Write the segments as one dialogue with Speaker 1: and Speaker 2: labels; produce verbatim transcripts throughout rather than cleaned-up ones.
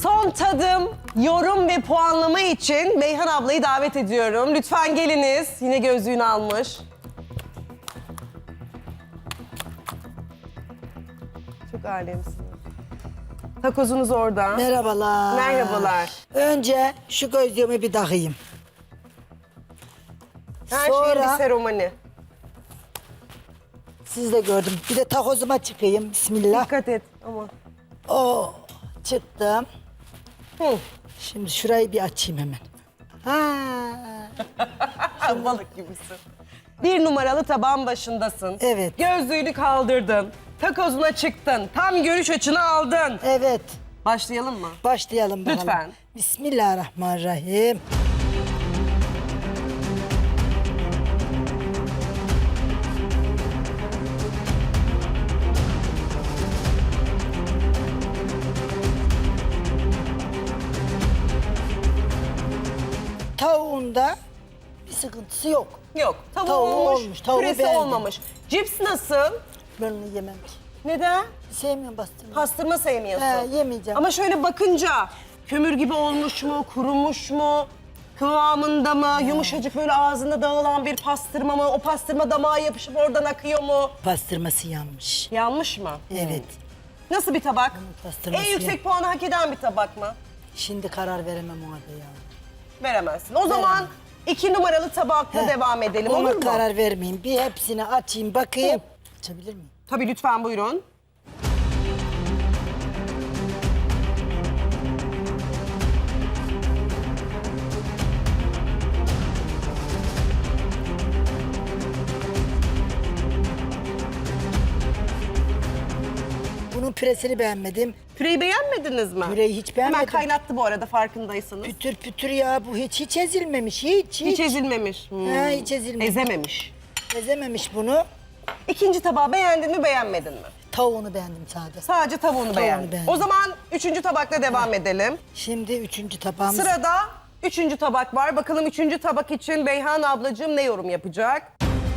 Speaker 1: Son tadım, yorum ve puanlama için Beyhan ablayı davet ediyorum. Lütfen geliniz. Yine gözlüğünü almış. Çok alemsiniz. Takozunuz orada.
Speaker 2: Merhabalar.
Speaker 1: Merhabalar.
Speaker 2: Önce şu gözlüğümü bir takayım.
Speaker 1: Her şeyin
Speaker 2: Sonra
Speaker 1: bir seremoni.
Speaker 2: siz de gördüm. Bir de takozuma çıkayım. Bismillah.
Speaker 1: Dikkat et ama.
Speaker 2: Oo, çıktım.
Speaker 1: Hı.
Speaker 2: Şimdi şurayı bir açayım hemen. Ha.
Speaker 1: Balık gibisin. Bir numaralı tabağın başındasın.
Speaker 2: Evet.
Speaker 1: Gözlüğünü kaldırdın. Takozuna çıktın. Tam görüş açını aldın.
Speaker 2: Evet.
Speaker 1: Başlayalım mı?
Speaker 2: Başlayalım bakalım.
Speaker 1: Lütfen.
Speaker 2: Bismillahirrahmanirrahim. Tavuğunda bir sıkıntısı yok.
Speaker 1: Yok. Tavuğu,
Speaker 2: Tavuğu
Speaker 1: olmuş,
Speaker 2: olmuş, tavuğu
Speaker 1: püresi
Speaker 2: beğendim.
Speaker 1: olmamış. Cips nasıl?
Speaker 2: Ben onu yemem ki.
Speaker 1: Neden?
Speaker 2: Sevmiyorum bastırmayı.
Speaker 1: Pastırma sevmiyorsun.
Speaker 2: He, yemeyeceğim.
Speaker 1: Ama şöyle bakınca kömür gibi olmuş mu, kurumuş mu, kıvamında mı, yumuşacık böyle ağzında dağılan bir pastırma mı, o pastırma damağa yapışıp oradan akıyor mu?
Speaker 2: Pastırması yanmış.
Speaker 1: Yanmış mı?
Speaker 2: Evet.
Speaker 1: Nasıl bir tabak?
Speaker 2: pastırması
Speaker 1: En yüksek
Speaker 2: yan-
Speaker 1: puanı hak eden bir tabak mı?
Speaker 2: Şimdi karar veremem ona da ya.
Speaker 1: Veremezsin. O zaman iki numaralı tabakla
Speaker 2: He,
Speaker 1: devam edelim,
Speaker 2: ona
Speaker 1: olur mu?
Speaker 2: karar vermeyeyim. Bir hepsini açayım bakayım. Açabilir miyim?
Speaker 1: Tabii, lütfen buyurun.
Speaker 2: Bunun püresini beğenmedim.
Speaker 1: Püreyi beğenmediniz mi?
Speaker 2: Püreyi hiç beğenmedim.
Speaker 1: Hemen kaynattı bu arada, farkındaysanız.
Speaker 2: Pütür pütür ya bu hiç hiç ezilmemiş hiç hiç.
Speaker 1: Hiç ezilmemiş. Hmm.
Speaker 2: He, hiç ezilmemiş.
Speaker 1: Ezememiş.
Speaker 2: Ezememiş bunu.
Speaker 1: İkinci tabağı beğendin mi, beğenmedin mi?
Speaker 2: Tavuğunu beğendim sadece.
Speaker 1: Sadece tavuğunu, beğendin.
Speaker 2: beğendim.
Speaker 1: O zaman üçüncü tabakla devam edelim.
Speaker 2: Şimdi üçüncü tabağımız.
Speaker 1: Sırada üçüncü tabak var. Bakalım üçüncü tabak için Beyhan ablacığım ne yorum yapacak?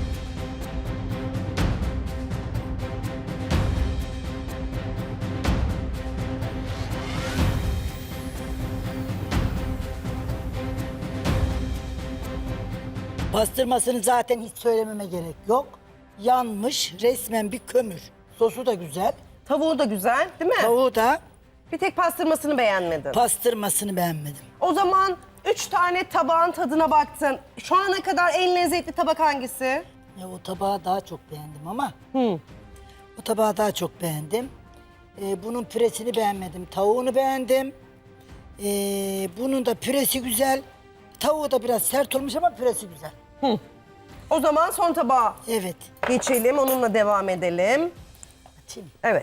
Speaker 2: Pastırmasını zaten hiç söylememe gerek yok. Yanmış resmen bir kömür. Sosu da güzel.
Speaker 1: Tavuğu da güzel, değil mi?
Speaker 2: Tavuğu da
Speaker 1: Bir tek pastırmasını beğenmedin.
Speaker 2: pastırmasını beğenmedim.
Speaker 1: O zaman üç tane tabağın tadına baktın. Şu ana kadar en lezzetli tabak hangisi?
Speaker 2: Ya o tabağı daha çok beğendim ama. O tabağı daha çok beğendim. Ee, bunun püresini beğenmedim. Tavuğunu beğendim. Ee, bunun da püresi güzel. Tavuğu da biraz sert olmuş ama püresi güzel.
Speaker 1: O zaman son tabağa
Speaker 2: Evet.
Speaker 1: geçelim, onunla devam edelim.
Speaker 2: Açayım.
Speaker 1: Evet.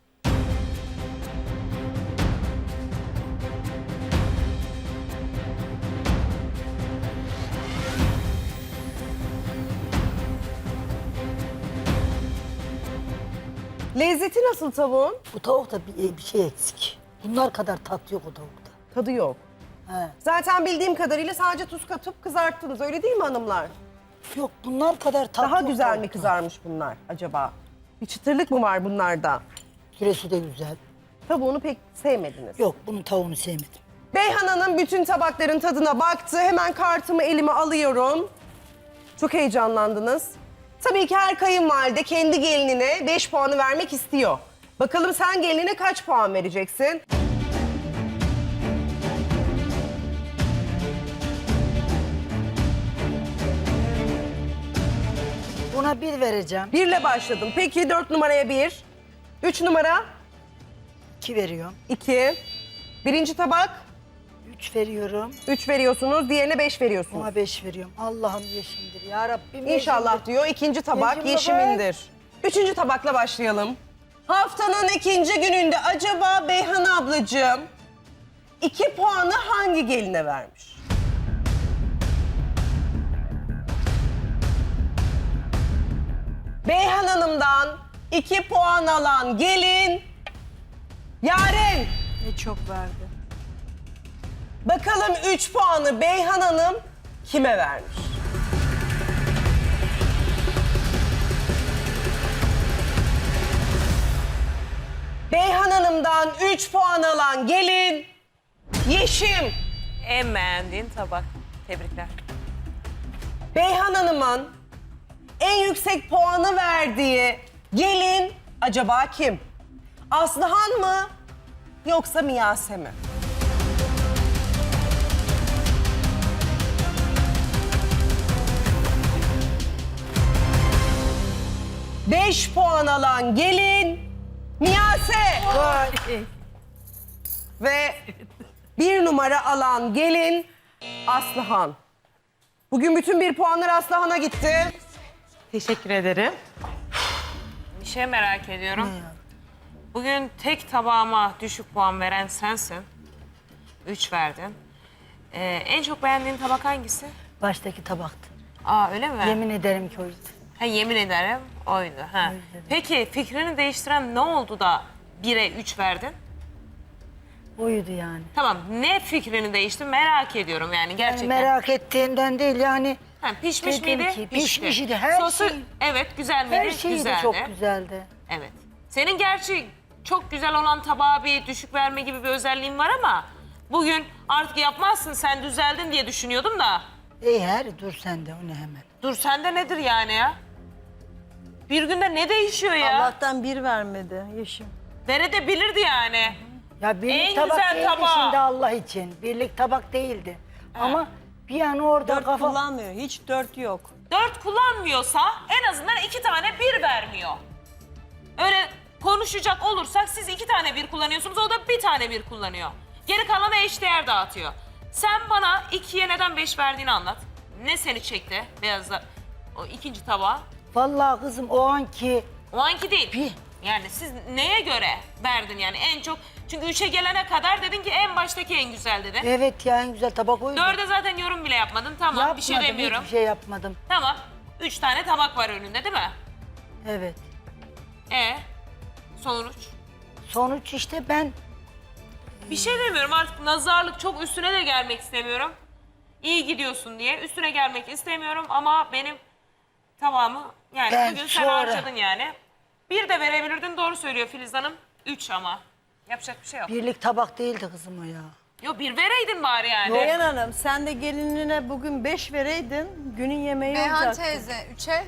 Speaker 1: Lezzeti nasıl tavuğun?
Speaker 2: Bu tavukta bir, bir şey eksik. Bunlar kadar tat yok o tavukta.
Speaker 1: Tadı yok.
Speaker 2: He.
Speaker 1: Zaten bildiğim kadarıyla sadece tuz katıp kızarttınız, öyle değil mi hanımlar?
Speaker 2: Yok bunlar kadar tat
Speaker 1: Daha
Speaker 2: yok
Speaker 1: güzel mi
Speaker 2: tavukta.
Speaker 1: kızarmış bunlar acaba? Bir çıtırlık mı var bunlarda?
Speaker 2: Püresi de güzel.
Speaker 1: Tavuğunu pek sevmediniz.
Speaker 2: Yok bunun tavuğunu sevmedim.
Speaker 1: Beyhan Hanım bütün tabakların tadına baktı. Hemen kartımı elime alıyorum. Çok heyecanlandınız. Tabii ki her kayınvalide kendi gelinine beş puanı vermek istiyor. Bakalım sen gelinine kaç puan vereceksin?
Speaker 2: Buna bir vereceğim.
Speaker 1: Birle başladım. Peki dört numaraya bir. Üç numara
Speaker 2: İki veriyorum.
Speaker 1: iki. Birinci tabak
Speaker 2: Üç veriyorum.
Speaker 1: üç veriyorsunuz. Diğerine beş veriyorsunuz.
Speaker 2: Ona beş veriyorum. Allah'ım yeşimdir ya Rabbim.
Speaker 1: İnşallah
Speaker 2: yeşimdir.
Speaker 1: diyor. İkinci tabak
Speaker 2: Yeşimli
Speaker 1: yeşimindir. Üçüncü tabakla başlayalım. Haftanın ikinci gününde acaba Beyhan ablacığım iki puanı hangi geline vermiş? Beyhan Hanım'dan iki puan alan gelin Yaren.
Speaker 2: Ne çok verdi.
Speaker 1: Bakalım üç puanı Beyhan Hanım kime vermiş? Beyhan Hanım'dan üç puan alan gelin Yeşim.
Speaker 3: En beğendiğin tabak. Tebrikler.
Speaker 1: Beyhan Hanım'ın en yüksek puanı verdiği gelin acaba kim? Aslıhan mı yoksa Miyase mi? Beş puan alan gelin Miyase. Ve bir numara alan gelin Aslıhan. Bugün bütün bir puanlar Aslıhan'a gitti.
Speaker 4: Teşekkür ederim.
Speaker 3: Bir şey merak ediyorum. Bugün tek tabağıma düşük puan veren sensin. Üç verdin. Ee, en çok beğendiğin tabak hangisi?
Speaker 2: Baştaki tabaktı.
Speaker 3: Aa öyle mi?
Speaker 2: Yemin ederim ki oydu.
Speaker 3: Ha, yemin ederim oydu. Ha. Peki fikrini değiştiren ne oldu da bire üç verdin?
Speaker 2: Oydu yani.
Speaker 3: Tamam, ne fikrini değişti merak ediyorum yani gerçekten.
Speaker 2: Merak ettiğimden değil yani.
Speaker 3: Ha, pişmiş
Speaker 2: Dedim
Speaker 3: miydi?
Speaker 2: ki,
Speaker 3: Pişti.
Speaker 2: pişmiş idi, her
Speaker 3: Sosu,
Speaker 2: şey-
Speaker 3: evet güzel miydi?
Speaker 2: Her şeyi de
Speaker 3: Güzeldi.
Speaker 2: çok güzeldi.
Speaker 3: Evet. Senin gerçi çok güzel olan tabağa bir düşük verme gibi bir özelliğin var ama bugün artık yapmazsın, sen düzeldin diye düşünüyordum da.
Speaker 2: İyi her dur sen de o ne hemen.
Speaker 3: Dur sende nedir yani ya? Bir günde ne değişiyor ya?
Speaker 4: Allah'tan bir vermedi Yeşim.
Speaker 3: Verebilirdi yani.
Speaker 2: Ya birlik
Speaker 3: En
Speaker 2: tabak
Speaker 3: güzel
Speaker 2: değildi
Speaker 3: tabağı.
Speaker 2: şimdi Allah için. Birlik tabak değildi. Ama bir an orada
Speaker 4: Dört
Speaker 2: kafa...
Speaker 4: kullanmıyor. Hiç dört yok.
Speaker 3: Dört kullanmıyorsa en azından iki tane bir vermiyor. Öyle konuşacak olursak siz iki tane bir kullanıyorsunuz, o da bir tane bir kullanıyor. Geri kalanı eşdeğer dağıtıyor. Sen bana ikiye neden beş verdiğini anlat. Ne seni çekti beyazla o ikinci tabağa?
Speaker 2: Vallahi kızım o anki...
Speaker 3: O anki değil.
Speaker 2: Bir.
Speaker 3: Yani siz neye göre verdin yani en çok? Çünkü üçe gelene kadar dedin ki en baştaki en güzel dedi.
Speaker 2: Evet ya en güzel tabak oydu.
Speaker 3: Dörde zaten yorum bile yapmadın. Tamam,
Speaker 2: Yapmadım,
Speaker 3: bir şey demiyorum.
Speaker 2: hiçbir şey yapmadım.
Speaker 3: Tamam. Üç tane tabak var önünde değil mi?
Speaker 2: Evet.
Speaker 3: E sonuç?
Speaker 2: Sonuç işte ben...
Speaker 3: Bir şey demiyorum artık, nazarlık çok üstüne de gelmek istemiyorum. İyi gidiyorsun diye üstüne gelmek istemiyorum ama benim tabağımı yani
Speaker 2: Ben
Speaker 3: bugün sen
Speaker 2: sonra-
Speaker 3: harcadın yani. Bir de verebilirdin, doğru söylüyor Filiz Hanım. Üç ama. Yapacak bir şey yok.
Speaker 2: Birlik tabak değildi kızım o ya.
Speaker 3: Yo bir vereydin bari yani.
Speaker 4: Beyhan Hanım sen de gelinine bugün beş vereydin. Günün yemeği
Speaker 5: Beyhan
Speaker 4: olacaktı.
Speaker 5: teyze, üçe.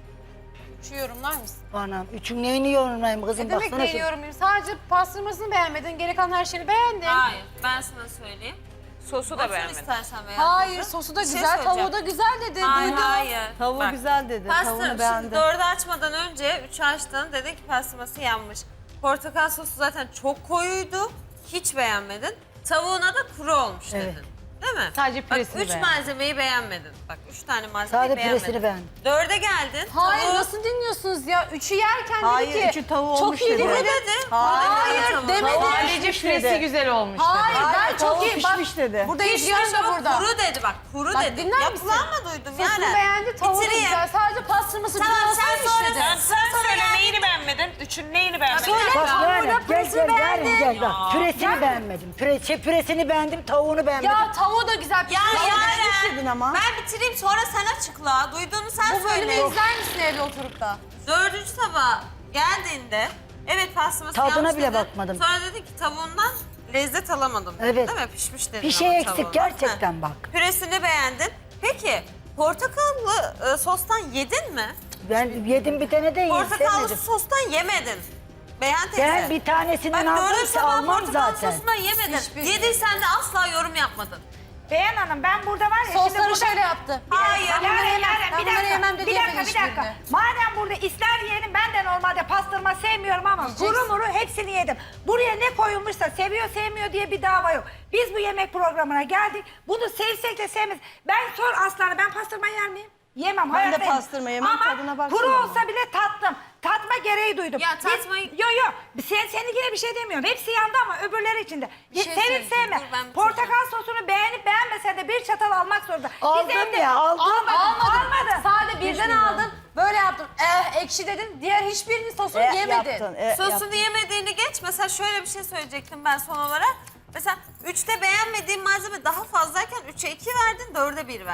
Speaker 5: Üçü yorumlar mısın?
Speaker 2: Anam üçün neyini yorumlayayım kızım
Speaker 5: Ne demek
Speaker 2: baksana.
Speaker 5: neyi
Speaker 2: şu-
Speaker 5: yorumlayayım? Sadece pastırmasını beğenmedin, geri kalan her şeyini beğendin.
Speaker 6: Hayır, ben sana söyleyeyim.
Speaker 3: Sosu da
Speaker 6: Nasıl
Speaker 3: beğenmedim.
Speaker 6: istersen veya
Speaker 5: Hayır, sosu da
Speaker 6: Bir şey
Speaker 5: güzel,
Speaker 6: söyleyeceğim.
Speaker 5: tavuğu da güzel dedi.
Speaker 6: Hayır,
Speaker 5: Duydum.
Speaker 6: hayır.
Speaker 4: Tavuğu
Speaker 6: Bak,
Speaker 4: güzel dedi.
Speaker 6: Pastır,
Speaker 4: Tavuğunu
Speaker 6: şimdi
Speaker 4: beğendim.
Speaker 6: dördü açmadan önce üçü açtın, dedin ki pastırması yanmış. Portakal sosu zaten çok koyuydu, hiç beğenmedin. Tavuğuna da kuru olmuş
Speaker 2: Evet.
Speaker 6: dedin. Değil mi?
Speaker 5: Sadece
Speaker 6: Bak
Speaker 5: püresini
Speaker 6: üç
Speaker 5: beğendin.
Speaker 6: malzemeyi beğenmedin. Bak üç tane malzemeyi
Speaker 2: Sadece
Speaker 6: beğenmedin.
Speaker 2: püresini beğendim.
Speaker 6: Dörde geldin.
Speaker 5: Hayır,
Speaker 6: tavuğu-
Speaker 5: nasıl dinliyorsunuz ya? Üçü yerken
Speaker 4: Hayır,
Speaker 5: dedi ki,
Speaker 4: üçü tavuğu
Speaker 5: çok
Speaker 4: olmuş
Speaker 5: iyi
Speaker 4: dedi.
Speaker 5: dedi.
Speaker 6: Kuru dedi.
Speaker 5: Hayır,
Speaker 6: Tavuğu-
Speaker 5: demedi.
Speaker 4: Sadece püresi güzel olmuş
Speaker 5: Hayır,
Speaker 4: dedi.
Speaker 5: ben çok iyi. Bak,
Speaker 4: pişmiş dedi.
Speaker 5: burada
Speaker 6: Pişmiş
Speaker 5: izliyorum da
Speaker 6: ama
Speaker 5: burada.
Speaker 6: kuru dedi bak, kuru
Speaker 5: Bak,
Speaker 6: dedi.
Speaker 5: dinler
Speaker 6: Ya
Speaker 5: misin?
Speaker 6: kulağıma duydum
Speaker 5: Sosunu
Speaker 6: yani.
Speaker 5: beğendi, tavuğu da
Speaker 6: Bitireyim.
Speaker 5: güzel. Sadece pastırması
Speaker 6: Tamam,
Speaker 5: güzel
Speaker 6: sen
Speaker 5: olsaymış
Speaker 6: sonra-
Speaker 5: dedi.
Speaker 3: Sen, sen söyle neyini beğenmedin? Üçün neyini beğenmedin?
Speaker 5: Söyle.
Speaker 2: Bak
Speaker 5: Tavuğu
Speaker 2: yani
Speaker 5: da
Speaker 2: gel
Speaker 5: püresini
Speaker 2: gel
Speaker 5: beğendin.
Speaker 2: yarın gel bak püresini beğenmedim. Püre, şey, püresini beğendim tavuğunu beğenmedim.
Speaker 5: Ya tavuğu da güzel.
Speaker 6: Ya
Speaker 5: pişmiş.
Speaker 6: Yaren,
Speaker 4: dedin ama.
Speaker 6: ben bitireyim sonra sen açıkla. Duyduğunu sen
Speaker 5: Bu bölümü
Speaker 6: söyle.
Speaker 5: izler misin evde oturup da?
Speaker 6: Dördüncü tabağa geldiğinde evet pastırması
Speaker 2: Tadına
Speaker 6: yanmış
Speaker 2: bile
Speaker 6: dedin.
Speaker 2: bakmadım.
Speaker 6: Sonra dedi ki tavuğundan lezzet alamadım.
Speaker 2: Evet.
Speaker 6: Değil mi? Pişmiş dedin
Speaker 2: Bir şey
Speaker 6: ama
Speaker 2: eksik
Speaker 6: tavuğundan.
Speaker 2: gerçekten
Speaker 6: Heh.
Speaker 2: bak.
Speaker 6: Püresini beğendin. Peki portakallı e, sostan yedin mi?
Speaker 2: Ben yedim bir tane de iyi
Speaker 6: Portakallı
Speaker 2: sevmedim.
Speaker 6: sostan yemedin. Beğen teyze.
Speaker 2: Ben bir tanesinden
Speaker 6: Bak
Speaker 2: aldım
Speaker 6: dördüncü
Speaker 2: ki
Speaker 6: tabağı
Speaker 2: almam
Speaker 6: portakal
Speaker 2: zaten.
Speaker 6: sosundan yemedin.
Speaker 5: Hiçbir-
Speaker 6: Yediysen de asla yorum yapmadın.
Speaker 7: Beyhan Hanım ben burada var ya şimdi
Speaker 5: Sosları
Speaker 7: burada...
Speaker 5: şöyle yaptı.
Speaker 6: Hayır.
Speaker 5: Ben bunları
Speaker 7: Yaren,
Speaker 5: yemem,
Speaker 7: Yaren,
Speaker 5: ben
Speaker 7: bir
Speaker 5: bunları
Speaker 7: dakika,
Speaker 5: yemem dedi
Speaker 7: bir dakika,
Speaker 5: yemedi
Speaker 7: bir dakika.
Speaker 5: hiçbirini.
Speaker 7: Madem burada ister yiyelim, ben de normalde pastırma sevmiyorum ama
Speaker 5: Yiyeceksin.
Speaker 7: kuru muru hepsini yedim. Buraya ne koyulmuşsa seviyor sevmiyor diye bir dava yok. Biz bu yemek programına geldik, bunu sevsek de sevmez. Ben sor Aslan'a, ben pastırma yer miyim? Yemem,
Speaker 4: Ben de
Speaker 7: hayatta yemem.
Speaker 4: pastırma yemem,
Speaker 7: Ama
Speaker 4: tadına baksana
Speaker 7: kuru
Speaker 4: ama.
Speaker 7: olsa bile tattım. Tatma gereği duydum.
Speaker 6: Ya
Speaker 7: Biz-
Speaker 6: tatmayı-
Speaker 7: Yo yo, sen, seninkine bir şey demiyorum. Hepsi yandı ama öbürleri içinde.
Speaker 5: Bir şey
Speaker 7: Sevip
Speaker 5: söyleyeceğim,
Speaker 7: sevme.
Speaker 6: dur ben bitireceğim.
Speaker 7: Portakal sosunu beğenip beğenmesen de bir çatal almak zorunda. Biz
Speaker 2: Aldım
Speaker 7: evde-
Speaker 2: ya, aldım.
Speaker 7: Almadın, almadın.
Speaker 5: Sade birden aldın, böyle yaptın. Eh, ekşi dedin, diğer hiçbirinin sosunu
Speaker 4: E,
Speaker 5: yemedin.
Speaker 4: yaptın, e,
Speaker 6: Sosunu
Speaker 4: yaptın.
Speaker 6: yemediğini geç. Mesela şöyle bir şey söyleyecektim ben son olarak. Mesela üçte beğenmediğin malzeme daha fazlayken üçe iki verdin, dörde bir verdin.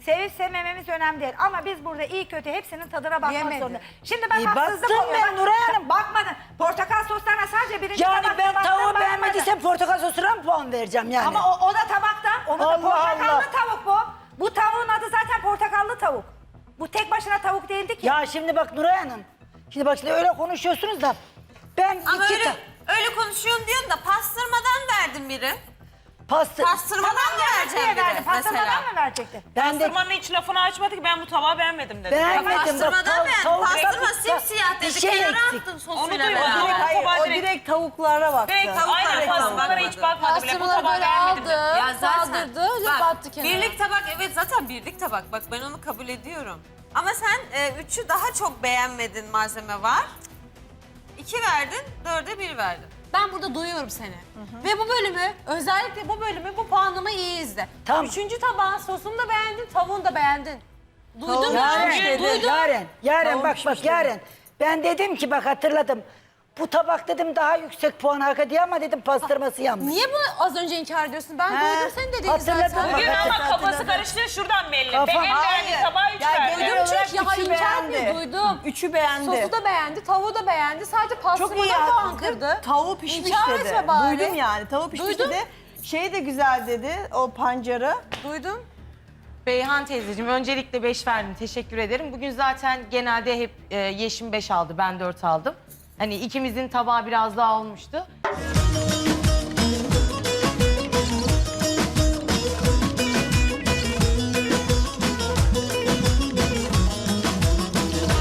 Speaker 7: Sevip sevmememiz önemli değil. Ama biz burada iyi kötü hepsinin tadına bakmak
Speaker 2: Yemedi.
Speaker 7: zorunda. Şimdi ben
Speaker 2: İyi
Speaker 7: haksızlık
Speaker 2: baktım
Speaker 7: oluyor.
Speaker 2: ben
Speaker 7: Bak,
Speaker 2: Nuray Hanım.
Speaker 7: Bakmadın. Portakal soslarına sadece birinci
Speaker 2: Yani
Speaker 7: tabakta
Speaker 2: ben
Speaker 7: baktım,
Speaker 2: tavuğu
Speaker 7: bakmadın.
Speaker 2: beğenmediysem portakal sosuna mı puan vereceğim yani?
Speaker 7: Ama o, o da tabakta. Onu da
Speaker 2: Allah
Speaker 7: portakallı
Speaker 2: Allah.
Speaker 7: tavuk bu. Bu tavuğun adı zaten portakallı tavuk. Bu tek başına tavuk değildi ki.
Speaker 2: Ya şimdi bak Nuray Hanım. Şimdi bak şimdi öyle konuşuyorsunuz da ben
Speaker 6: Ama
Speaker 2: iki
Speaker 6: öyle,
Speaker 2: ta-
Speaker 6: öyle konuşuyorsun diyorsun da pastırmadan verdin biri.
Speaker 2: pastır.
Speaker 6: Pastırmadan vereceğim
Speaker 7: Diye verdi.
Speaker 6: biri
Speaker 7: Pastırmadan
Speaker 6: mesela.
Speaker 7: mı verecekti?
Speaker 2: Ben de
Speaker 3: Pastırmanın hiç lafını açmadı ki ben bu tabağı beğenmedim dedi.
Speaker 2: beğenmedim. Bak,
Speaker 6: Pastırmadan
Speaker 2: tav-
Speaker 6: beğendim.
Speaker 2: tavuk-
Speaker 6: Pastırma
Speaker 2: bak,
Speaker 6: simsiyah
Speaker 2: bir
Speaker 6: dedi.
Speaker 2: şey
Speaker 6: Kenara
Speaker 2: eksik.
Speaker 6: attın
Speaker 3: Onu
Speaker 6: sosuyla
Speaker 3: duymadım.
Speaker 6: beraber.
Speaker 3: Direkt
Speaker 4: Hayır,
Speaker 3: tabağa
Speaker 4: o
Speaker 3: direkt-
Speaker 4: direkt tavuklara baktı.
Speaker 6: Direkt tavuk-
Speaker 3: Aynen
Speaker 6: Direkt
Speaker 3: pastırmalara hiç bakmadı bile. Bu
Speaker 5: Pastırmaları
Speaker 3: tabağı
Speaker 5: böyle
Speaker 3: beğenmedim dedi.
Speaker 5: aldı,
Speaker 6: Ya zaten
Speaker 5: saldırdı,
Speaker 6: bak,
Speaker 5: battı kenara.
Speaker 6: birlik tabak evet zaten birlik tabak. Bak ben onu kabul ediyorum. Ama sen e, üçü daha çok beğenmedin malzeme var. İki verdin, dörde bir verdin.
Speaker 5: Ben burada duyuyorum seni. Ve bu bölümü, özellikle bu bölümü, bu puanlamayı iyi izle.
Speaker 2: Tamam.
Speaker 5: Üçüncü tabağın sosunu da beğendin, tavuğunu da beğendin. Duydun mu?
Speaker 2: Yaren,
Speaker 5: Duydun.
Speaker 2: Yaren, Yaren
Speaker 4: Tavuk
Speaker 2: bak
Speaker 4: pişmiş
Speaker 2: bak Yaren. Ben dedim ki bak hatırladım. Bu tabak dedim daha yüksek puan hak ediyor ama dedim pastırması yanmış.
Speaker 5: Niye bunu az önce inkar ediyorsun? Ben
Speaker 4: He.
Speaker 5: duydum senin dediğini
Speaker 2: Hatırladım.
Speaker 5: zaten.
Speaker 3: Bugün
Speaker 2: Bak,
Speaker 3: ama
Speaker 4: hatırladım.
Speaker 3: kafası karıştı şuradan belli.
Speaker 2: Kafam-
Speaker 3: Ben en
Speaker 4: Hayır.
Speaker 3: beğendiği tabağı üç
Speaker 4: Ya
Speaker 3: verdi.
Speaker 4: genel
Speaker 5: Duydum
Speaker 4: olarak
Speaker 5: çünkü ya
Speaker 4: üçü
Speaker 5: inkar etmiyor,
Speaker 4: beğendi.
Speaker 5: duydum.
Speaker 4: Üçü beğendi.
Speaker 5: Sosu da beğendi, tavuğu da beğendi. Sadece
Speaker 4: Çok iyi
Speaker 5: pastırmadan puan
Speaker 4: yaptı.
Speaker 5: kırdı.
Speaker 4: Tavuğu pişmiş
Speaker 5: İnkar
Speaker 4: dedi.
Speaker 5: etme bari.
Speaker 4: Duydum yani. Tavuğu pişmiş
Speaker 5: Duydum.
Speaker 4: dedi. Şey de güzel dedi. O pancarı.
Speaker 5: Duydum.
Speaker 8: Beyhan teyzeciğim öncelikle beş verdim. Teşekkür ederim. Bugün zaten genelde hep e, Yeşim beş aldı. Ben dört aldım. Hani ikimizin tabağı biraz daha olmuştu.